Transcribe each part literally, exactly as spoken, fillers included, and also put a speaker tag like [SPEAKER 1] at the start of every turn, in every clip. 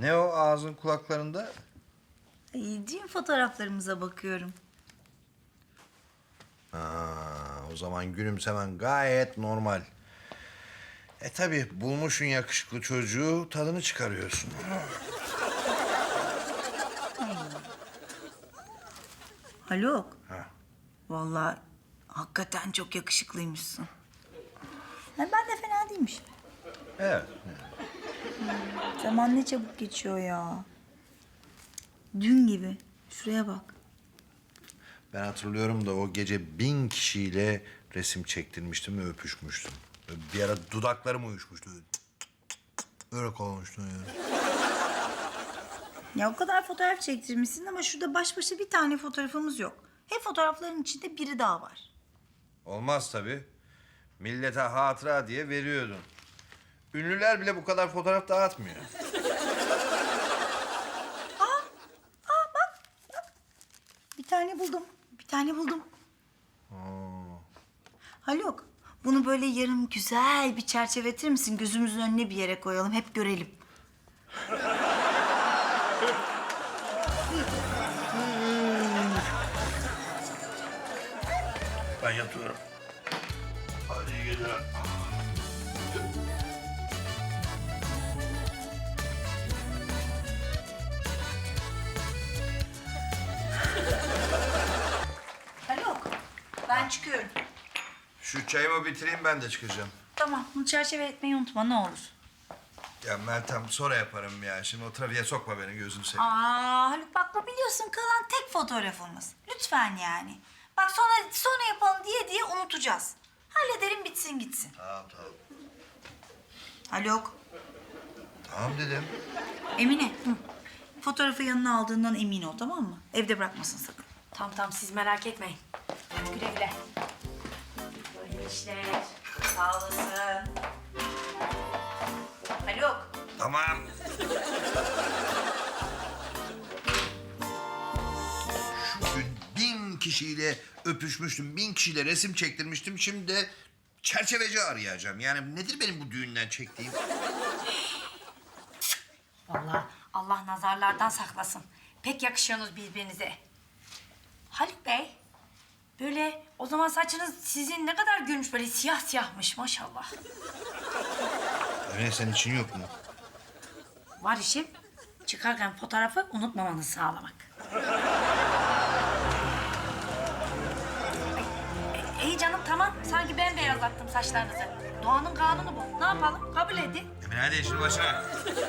[SPEAKER 1] Ne o ağzın kulaklarında?
[SPEAKER 2] Ay, düğün fotoğraflarımıza bakıyorum.
[SPEAKER 1] Aa, o zaman gülümsemen gayet normal. E tabi bulmuşsun yakışıklı çocuğu, tadını çıkarıyorsun.
[SPEAKER 2] Haluk.
[SPEAKER 1] Ha.
[SPEAKER 2] Vallahi hakikaten çok yakışıklıymışsın. Ha, ben de fena değilmişim.
[SPEAKER 1] Evet.
[SPEAKER 2] Zaman ne çabuk geçiyor ya. Dün gibi. Şuraya bak.
[SPEAKER 1] Ben hatırlıyorum da o gece bin kişiyle resim çektirmiştim ve öpüşmüştüm. Bir ara dudaklarım uyuşmuştu. Öyle olmuştu yani.
[SPEAKER 2] Ya o kadar fotoğraf çektirmişsin ama şurada baş başa bir tane fotoğrafımız yok. Hep fotoğrafların içinde biri daha var.
[SPEAKER 1] Olmaz tabii. Millete hatıra diye veriyordun. Ünlüler bile bu kadar fotoğraf dağıtmıyor.
[SPEAKER 2] Bir tane buldum. Bir tane buldum.
[SPEAKER 1] Aa.
[SPEAKER 2] Haluk, bunu böyle yarım güzel bir çerçeveletir misin? Gözümüzün önüne bir yere koyalım, hep görelim.
[SPEAKER 1] Ben yatıyorum. Hadi iyi geceler.
[SPEAKER 2] Haluk, ben çıkıyorum.
[SPEAKER 1] Şu çayımı bitireyim, ben de çıkacağım.
[SPEAKER 2] Tamam, bunu çerçeve etmeyi unutma ne olur.
[SPEAKER 1] Ya Meltem, sonra yaparım ya. Şimdi o trafiğe sokma beni, gözünü seveyim.
[SPEAKER 2] Aa Haluk bak bu biliyorsun kalan tek fotoğrafımız. Lütfen yani. Bak sonra sonra yapalım diye diye unutacağız. Halledelim bitsin gitsin.
[SPEAKER 1] Tamam tamam.
[SPEAKER 2] Haluk,
[SPEAKER 1] Tamam dedim.
[SPEAKER 2] Emine. Hı. Fotoğrafı yanına aldığından emin ol tamam mı? Evde bırakmasın sakın.
[SPEAKER 3] Tamam tamam siz merak etmeyin. Hadi güle güle.
[SPEAKER 2] Böyle işler. Sağ olasın. Haluk.
[SPEAKER 1] Tamam. Şu gün bin kişiyle öpüşmüştüm, bin kişiyle resim çektirmiştim. Şimdi de çerçeveci arayacağım. Yani nedir benim bu düğünden çektiğim?
[SPEAKER 3] Vallahi Allah nazarlardan saklasın. Pek yakışıyorsunuz birbirinize. Haluk Bey, böyle o zaman saçınız sizin ne kadar gülmüş, böyle siyah siyahmış maşallah.
[SPEAKER 1] Öyle senin için yok mu?
[SPEAKER 3] Var işim, çıkarken fotoğrafı unutmamanızı sağlamak. Ay, e, iyi canım tamam, sanki ben beyazlattım saçlarınızı. Doğanın kanunu bu. Ne yapalım, kabul edin.
[SPEAKER 1] Emine hadi işin başına.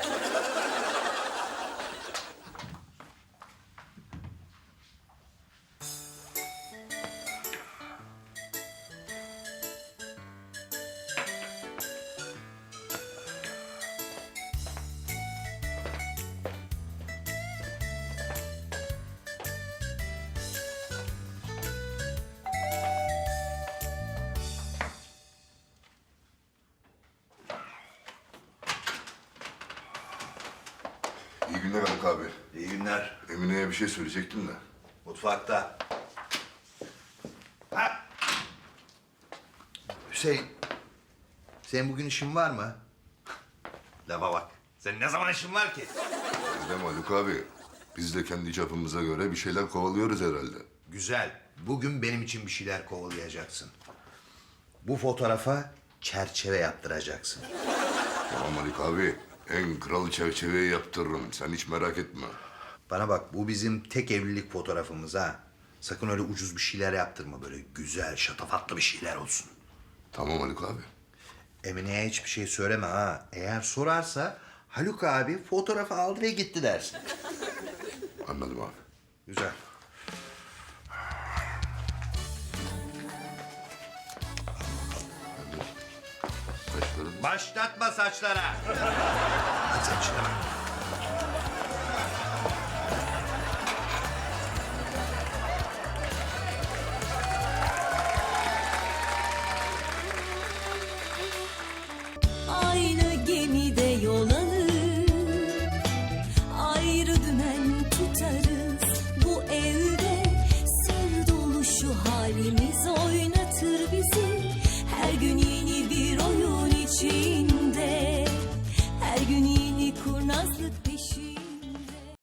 [SPEAKER 4] İyi günler Haluk abi.
[SPEAKER 1] İyi günler.
[SPEAKER 4] Emine'ye bir şey söyleyecektim de.
[SPEAKER 1] Mutfakta. Ha! Hüseyin, senin bugün işin var mı? Lafa bak. Senin ne zaman işin var ki?
[SPEAKER 4] Öyle mi Haluk abi? Biz de kendi çapımıza göre bir şeyler kovalıyoruz herhalde.
[SPEAKER 1] Güzel. Bugün benim için bir şeyler kovalayacaksın. Bu fotoğrafa çerçeve yaptıracaksın.
[SPEAKER 4] Tamam Haluk abi. En kral çerçeveyi yaptırırım. Sen hiç merak etme.
[SPEAKER 1] Bana bak, bu bizim tek evlilik fotoğrafımız ha. Sakın öyle ucuz bir şeyler yaptırma. Böyle güzel, şatafatlı bir şeyler olsun.
[SPEAKER 4] Tamam Haluk abi.
[SPEAKER 1] Emine'ye hiçbir şey söyleme ha. Eğer sorarsa Haluk abi fotoğrafı aldı ve gitti dersin.
[SPEAKER 4] Anladım abi.
[SPEAKER 1] Güzel.
[SPEAKER 4] Saçların...
[SPEAKER 1] Başlatma saçlara. Hadi sen işine bak.